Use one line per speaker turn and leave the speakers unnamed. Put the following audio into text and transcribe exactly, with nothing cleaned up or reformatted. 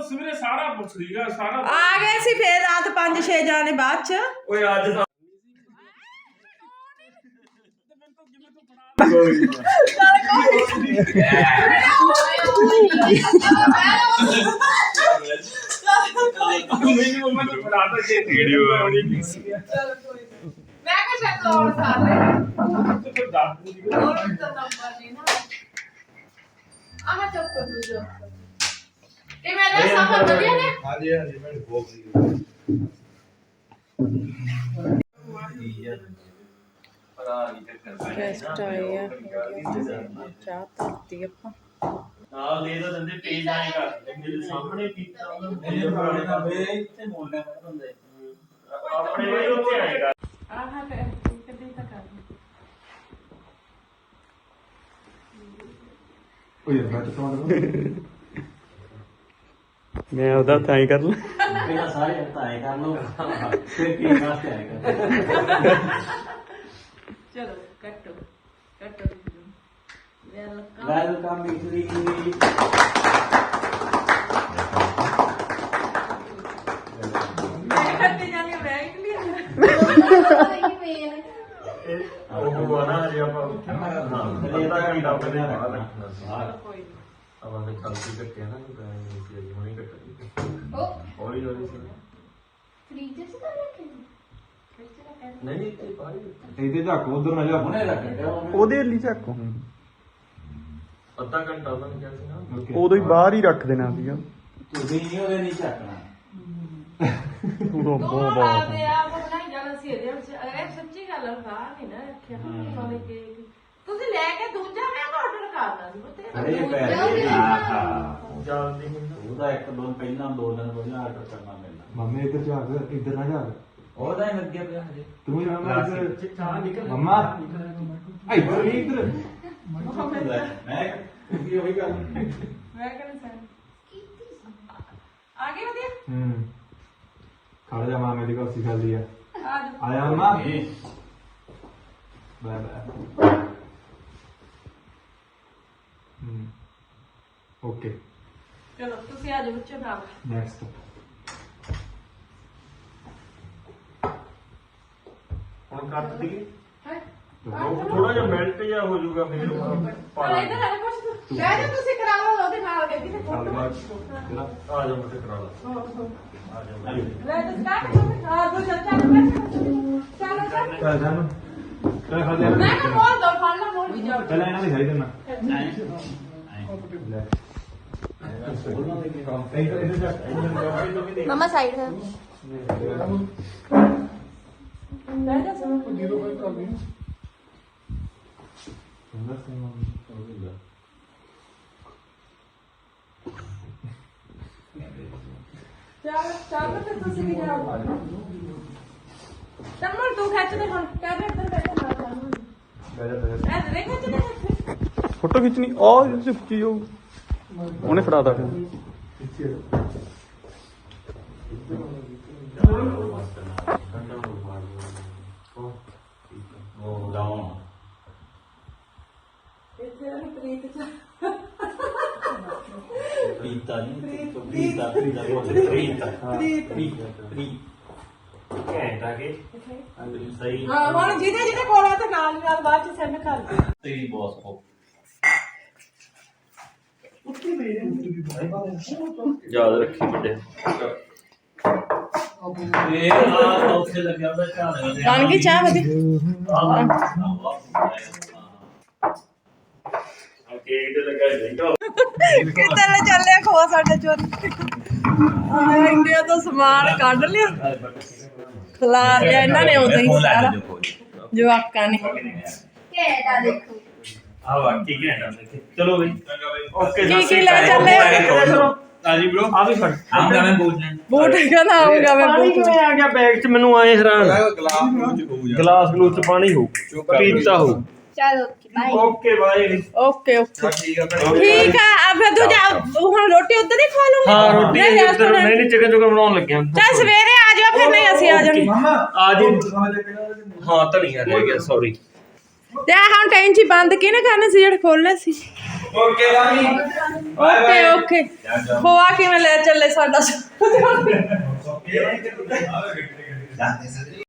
ਸਵੇਰੇ ਸਾਰਾ ਪੁੱਛ ਲੀਗਾ ਸਾਰਾ
ਆ ਗਏ ਸੀ ਫੇਰ ਰਾਤ ਪੰਜ ਛੇ ਜਾਣੇ ਬਾਅਦ ਚ
ਓਏ ਅੱਜ ਤਾਂ ਮੈਨੂੰ ਮੰਮਾ ਨੂੰ ਫੜਾ ਤਾ ਜੇ ਵੀਡੀਓ ਆਉਣੀ ਨਹੀਂ ਸੀ
ਮੈਂ ਕਿਹਾ ਚੱਲ ਹੋਰ ਸਾਰੇ
ਤੇ ਫਿਰ ਦੱਸ ਦੂੰਗੀ
ਹੋਰ ਤਾਂ ਨੰਬਰ ਨਹੀਂ ਨਾ ਆਹ ਚੱਪ ਕਰ ਦੂਜਾ ਇਹ ਮੇਰਾ ਸਭ ਵਧੀਆ ਨੇ
ਹਾਂਜੀ ਹਾਂਜੀ ਮੈਂ ਬਹੁਤ ਵਧੀਆ
ਗੈਸਟ ਆਏ ਆ ਚਾਹ ਧਰਤੀ ਆਪਾਂ
ਨਾਲ ਦੇ ਤਾਂ ਦਿੰਦੇ ਪੇਜ ਆਏ ਕਰ ਮੇਰੇ ਸਾਹਮਣੇ ਕੀਤਾ ਉਹਨਾਂ ਨੇ ਪੁਰਾਣੇ ਦਾ ਵੇ ਇੱਥੇ ਮੋਲਣਾ ਹੁੰਦੇ ਆਪਣੇ ਵੀ ਉੱਥੇ ਆਏਗਾ
ਆਹ ਲੈ ਕਿੱਦਾਂ ਤਾਂ ਕਰ
ਓਏ ਬੱਟ ਤੋਂ
ਮੈਂ ਉਹਦਾ ਤਾਂ ਹੀ ਕਰ ਲਾਂ
ਪਹਿਲਾਂ ਸਾਰੇ ਹਟਾਏ ਕਰ ਲਓ ਫਿਰ ਕੀ ਵਾਸਤੇ ਆਏਗਾ
ਚਲੋ ਕੱਟੋ ਕੱਟੋ ਵੈਲਕਮ
ਵੈਲਕਮ ਮਿਸਰੀ
ਮੈਂ ਕੱਟੇ ਜਾਣੀ ਬੈਗ ਲਈ
ਉਹ ਬਣਾ ਜੇ ਆਪਾਂ ਹਾਂ ਇਹ ਤਾਂ ਘੰਟਾ ਪਹਿਲਾਂ ਰੱਖਣਾ
ਕੋਈ
ਆਪਾਂ ਨੇ ਕਲਪੀ ਕੱਟਿਆ ਨਾ ਨਹੀਂ ਸੀ ਹੁਣੇ ਕੱਟ
ਉਹ
ਹੌਲੀ ਹੌਲੀ ਸੀ
ਫ੍ਰੀਜ ਚ ਤਾਂ ਰੱਖੇ
ਨਹੀਂ ਨਹੀਂ ਤੇ ਪਾਈ
ਇਹਦੇ ਝਾਕ ਉਧਰ ਨਾ ਜਾ
ਹੁਣੇ ਰੱਖ ਦਿਓ
ਉਹਦੇ ਲਈ ਚੱਕੋ
ਅੱਧਾ ਘੰਟਾ ਉਹਨਾਂ ਨੇ ਕਿਹਾ ਸੀ ਨਾ
ਉਦੋਂ ਹੀ ਬਾਹਰ ਹੀ ਰੱਖ ਦੇਣਾ ਸੀਗਾ
ਤੁਸੀਂ ਨਹੀਂ ਉਹਦੇ ਨਹੀਂ ਚੱਕਣਾ
ਉਦੋਂ
ਦੋ
ਬਹੁਤ
ਰਾਤ
ਬਹੁਤ
ਦੇ ਆਪ ਬਣਾਈ ਜਾਣਾ ਸੀ ਇਹਦੇ ਵਿੱਚ ਇਹ ਸੱਚੀ ਗੱਲ ਆ ਨਹੀਂ ਨਾ ਰੱਖਿਆ ਵਾਲੇ ਕੇਕ ਤੁਸੀਂ ਲੈ ਕੇ ਦੂਜਾ ਮੈਂ ਆਰਡਰ ਕਰਨਾ ਸੀ
ਅਰੇ
ਬਤੇ
ਪੈਸੇ ਆਹਾ
ਜਲਦੀ ਹੁੰਦਾ
ਉਹਦਾ ਇੱਕ ਦਿਨ ਪਹਿਲਾਂ ਦੋ ਦਿਨ ਪਹਿਲਾਂ ਆਰਡਰ ਕਰਨਾ ਪੈਂਦਾ
ਮੰਮੀ ਇੱਧਰ ਝਾਕ ਇੱਧਰ ਨਾ ਝਾਕ
ਉਹਦਾ ਹੀ ਲੱਗਿਆ ਪਿਆ ਹਜੇ
ਤੂੰ ਹੀ ਮਾਮਾ ਇੱਧਰ
ਚਾਹ ਨਿਕਲ
ਮੰਮਾ ਇੱਧਰ ਹੀ ਇੱਧਰ
ਮੈਂ ਕੀ ਹੋਈ ਗੱਲ
ਮੈਂ ਕਹਿੰਦਾ ਸਰ ਆਗੇ ਵਧੀਆ
ਹੂੰ ਖੜ ਜਾ ਮਾਮੇ ਦੀ ਕੁਰਸੀ ਖਾਲੀ ਆ
ਆ ਜਾਓ।
ਆਇਆ ਮੰਮਾ ਬਾਏ ਬਾਏ ਹੂੰ ਓਕੇ
ਚਲੋ ਤੁਸੀਂ ਆ ਜਾਓ ਬੱਚੇ ਨਾਲ
ਨੈਕਸਟ
ਹੁਣ ਕੱਟ ਦਈਏ
ਹੈ
ਥੋੜਾ ਜਿਹਾ ਮੈਲਟ ਜਿਹਾ ਹੋ ਜਾਊਗਾ ਫਿਰ
ਪਰ ਇਧਰ ਆ ਕੁਛ ਬਹਿ ਜਾ ਤੁਸੀਂ ਕਰਾ ਲਓ ਉਹਦੇ ਨਾਲ ਗੱਡੀ ਤੇ
ਚੱਲ
ਫੋਟੋ
ਬਾਅਦ ਜਿਹੜਾ
ਆ ਜਾ ਮੁੱਠੇ ਕਰਾ ਲਾ ਆ ਜਾ
ਲੈ ਤੇ ਸਟਾਰਟ ਆ ਦੋ ਚਾਚਾ ਨੂੰ ਚਲੋ ਚੱਲ
ਚੱਲ ਜਾਨ ਚੱਲ ਖਾ ਜਾ
ਮੈਂ ਕਿਹਾ ਮੋੜ ਦੋ ਫੜ ਲਾ ਮੋੜ ਵੀ ਜਾਓ
ਪਹਿਲਾਂ ਇਹਨਾਂ ਦੀ ਖਾਈ ਦੇਣਾ ਲੈ ਇੱਧਰ ਇੱਧਰ ਜਾ
मम्मा साइड है
ਬਹਿ ਜਾ ਸਭ ਚੱਲ ਚੱਲ ਤੇ ਤੁਸੀਂ ਵੀ ਜਾਓ ਚੱਲ ਤੂੰ ਖਿੱਚ ਦੇ ਹੁਣ ਕਹਿ ਦੇ ਇੱਧਰ ਬੈਠਾ ਨਾਲ ਜਾਨੂੰ
ਬਹਿ ਜਾ ਬਹਿ ਜਾ
ਐ ਦੇ ਖਿੱਚ ਦੇ ਹੱਥ
ਫੋਟੋ ਖਿੱਚਣੀ ਆ ਚੁੱਕੀ ਹੋ ਉਹਨੇ ਫੜਾਤਾ ਫਿਰ
ਪਿੱਛੇ
ਉਹ ਡਾਊਨ
ਇੱਥੇ ਆ ਪ੍ਰੀਤ ਚ
ਪੀਤਾ ਨਹੀਂ ਪੀਤਾ ਪੀਤਾ ਪੀਤਾ ਪੀਤਾ
ਘੰਟਾ ਕੇ
ਸਹੀ
ਹਾਂ ਹੁਣ ਜਿਹਦੇ ਜਿਹਦੇ ਕੋਲ ਆ ਤੇ ਨਾਲ ਦੀ ਨਾਲ ਬਾਅਦ ਚ ਸੈਂਡ ਕਰ ਦੇ
ਤੇਰੀ ਬੌਸ ਕੋ
ਯਾਦ ਰੱਖੀ ਵੱਡੇ
ਇਹ ਆ ਉੱਥੇ ਲੱਗਿਆ ਉਹਦਾ ਝਾੜ
ਬਣ ਗਈ ਚਾਹ ਵਧੀਆ
ਕੇਕ ਤੇ ਲੱਗਾ ਦੇਖੋ
ਕਿੱਧਰ ਲੈ ਚੱਲਿਆ ਖੋਆ ਸਾਡੇ ਚੋਰੀ ਆ ਇੰਡੀਆ ਤੋਂ ਸਮਾਨ ਕੱਢ ਲਿਆ ਖਲਾਰ ਲਿਆ ਇਹਨਾਂ ਨੇ ਉਦੋਂ ਹੀ ਸਾਰਾ ਜਵਾਕਾਂ ਨੇ
केटा देखो
ਆ ਵਾਕੀ ਘੰਟਾ ਦੇਖੇ ਚਲੋ ਬਈ ਓਕੇ
ਕੀ ਕੀ ਲੈ ਚੱਲੇ
ਆਜੀ ਬ్రో ਆ ਵੀ ਫੜ
ਆਉਂਗਾ ਮੈਂ ਬੋਲਣਾ
ਬੂਟ ਕਹਿੰਦਾ ਆਊਗਾ ਮੈਂ
ਪਾਣੀ
ਬੂਟ
ਕਿਵੇਂ ਆ ਗਿਆ ਬੈਗ 'ਚ ਮੈਨੂੰ ਆਏ ਹੈਰਾਨ
ਗਲਾਸ ਨੂੰ ਚ ਹੋਊ
ਗਲਾਸ ਗਲੂਸ 'ਚ ਪਾਣੀ ਹੋ ਪੀਤਾ ਹੋ
चलो bye
okay bye
okay okay
ਠੀਕ ਆ
ਠੀਕ ਆ ਆ ਫਿਰ ਤੂੰ ਜਾ ਹੁਣ ਰੋਟੀ ਉੱਧਰ ਹੀ ਖਾ ਲੂੰਗੀ
ਹਾਂ ਰੋਟੀ
ਨਹੀਂ,
ਇੱਧਰ
restaurant-
ਨਹੀਂ ਨਹੀਂ ਚਿਕਨ ਚੁਕਨ ਬਣਾਉਣ ਲੱਗਿਆ
ਚੱਲ ਸਵੇਰੇ ਆ ਜਾ ਫਿਰ ਨਹੀਂ ਅਸੀਂ ਆ ਜਾਣੀ
ਮਾਮਾ
ਆ ਜੀ
ਹਾਂ
ਹਾਂ ਧਨੀਆ ਰਹਿ ਗਿਆ ਸੌਰੀ
ਤੇ ਆਹ ਹੁਣ ਟੈਂਚੀ ਬੰਦ ਕਿਹਨੇ ਕਰਨੇ ਸੀ ਜਿਹੜੇ ਖੋਲਨੇ ਸੀ
ਓਕੇ ਬਾਈ
ਓਕੇ ਓਕੇ ਖੋਆ ਕਿਵੇਂ ਲੈ ਚੱਲੇ ਸਾਡਾ